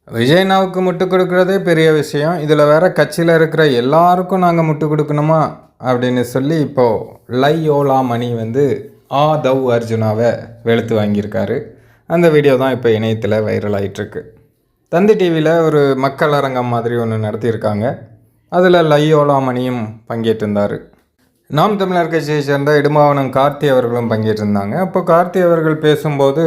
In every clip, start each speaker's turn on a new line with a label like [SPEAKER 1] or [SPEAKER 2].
[SPEAKER 1] விஜய்னாவுக்கு முட்டு கொடுக்குறதே பெரிய விஷயம். இதில் வேற கட்சியில் இருக்கிற எல்லாருக்கும் நாங்கள் முட்டு கொடுக்கணுமா அப்படின்னு சொல்லி இப்போது லையோலா மணி வந்து ஆதவ் அர்ஜுனாவை வெளுத்து வாங்கியிருக்காரு. அந்த வீடியோ தான் இப்போ இணையத்தில் வைரல் ஆகிட்டுருக்கு. தந்தி டிவியில் ஒரு மக்கள் அரங்கம் மாதிரி ஒன்று நடத்தியிருக்காங்க. அதில் லையோலா மணியும் பங்கேற்றிருந்தார். நாம் தமிழர் கட்சியை சேர்ந்த இடுமாவனம் கார்த்தி அவர்களும் பங்கேற்றிருந்தாங்க. அப்போ கார்த்தி அவர்கள் பேசும்போது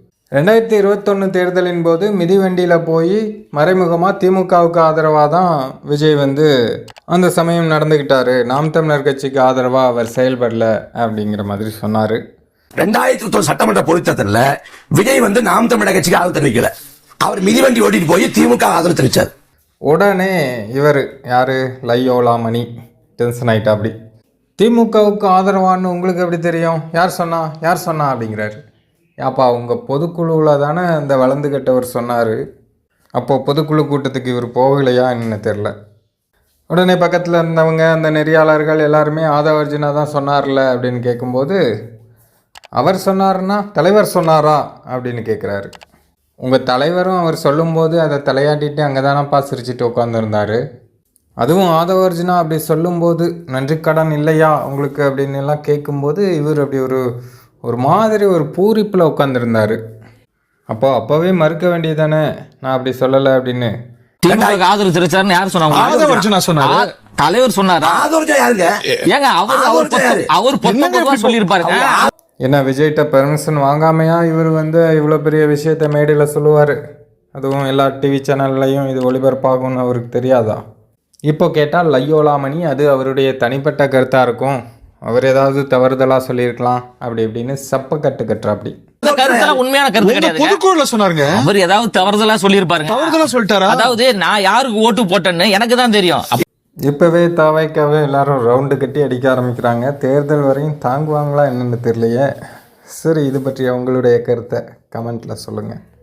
[SPEAKER 1] 2021 தேர்தலின் போது மிதிவண்டியில் போய் மறைமுகமாக திமுகவுக்கு ஆதரவாக தான் விஜய் வந்து அந்த சமயம் நடந்துக்கிட்டாரு. நாம் தமிழர் கட்சிக்கு ஆதரவாக அவர் செயல்படல அப்படிங்கிற மாதிரி சொன்னார்.
[SPEAKER 2] 2021 சட்டமன்ற பொதுத்தேர்தலில் விஜய் வந்து நாம் தமிழர் கட்சிக்கு ஆதரவு தெரிவிக்கல. அவர் மிதிவண்டி ஓட்டிட்டு போய் திமுக ஆதரவு தெரிவித்தார்.
[SPEAKER 1] உடனே இவர் யார் லையோலா மணி டென்ஷன் ஆகிட்டா. அப்படி திமுகவுக்கு ஆதரவான்னு உங்களுக்கு எப்படி தெரியும், யார் சொன்னா அப்படிங்கிறாரு. ஏப்பா உங்கள் பொதுக்குழுவில் தானே இந்த வளர்ந்து கட்டவர் சொன்னார். அப்போது பொதுக்குழு கூட்டத்துக்கு இவர் போகலையா என்ன தெரில. உடனே பக்கத்தில் இருந்தவங்க அந்த நெறியாளர்கள் எல்லாருமே ஆதவ அர்ஜுனா தான் சொன்னார்ல அப்படின்னு கேட்கும்போது, அவர் சொன்னார்னா தலைவர் சொன்னாரா அப்படின்னு கேட்குறாரு. உங்கள் தலைவரும் அவர் சொல்லும்போது அதை தலையாட்டிட்டு அங்கே தானப்பா சிரிச்சிட்டு உட்காந்துருந்தார். அதுவும் ஆதவ அர்ஜுனா அப்படி சொல்லும்போது நன்றி கடன் இல்லையா உங்களுக்கு அப்படின்னு எல்லாம் கேட்கும்போது இவர் அப்படி ஒரு மாதிரி ஒரு பூரிப்பில் உட்காந்துருந்தார். அப்போவே மறுக்க வேண்டியதானே நான் அப்படி சொல்லலை அப்படின்னு.
[SPEAKER 3] ஆதரவு தெரிவிச்சாருன்னு யார் சொன்னாங்க?
[SPEAKER 2] ஆதவ அர்ஜுனா சொன்னாரு.
[SPEAKER 3] தலைவர் சொன்னாரா? ஏங்க அவர் சொல்லியிருப்பாருங்க.
[SPEAKER 1] என்ன விஜய்கிட்ட பெர்மிஷன் வாங்காமையா இவர் வந்து இவ்வளோ பெரிய விஷயத்த மேடையில் சொல்லுவார்? அதுவும் எல்லா டிவி சேனல்லையும் இது ஒளிபரப்பாகும்னு அவருக்கு தெரியாதா? இப்போ கேட்டால் லையோலா மணி அது அவருடைய தனிப்பட்ட கருத்தாக இருக்கும், அவர் ஏதாவது தவறுதலாக சொல்லியிருக்கலாம் அப்படி இப்படின்னு சப்ப கட்டுற. அப்படி
[SPEAKER 3] உண்மையான கருத்து கிடையாது.
[SPEAKER 2] பொதுக்குழுல சொன்னாருங்க.
[SPEAKER 3] அவர் ஏதாவது தவறுதலா சொல்லியிருப்பாருங்க.
[SPEAKER 2] தவறுதலா சொல்லிட்டாரா? அதாவது
[SPEAKER 3] நான் யாருக்கு ஓட்டு போட்டேன்னு எனக்கு தான் தெரியும்.
[SPEAKER 1] இப்போவே தாவைக்காவே எல்லாரும் ரவுண்டு கட்டி அடிக்க ஆரம்பிக்கிறாங்க. தேர்தல் வரையும் தாங்குவாங்களா என்னென்னு தெரியலையே. சரி, இது பற்றி உங்களுடைய கருத்தை கமெண்ட்டில் சொல்லுங்கள்.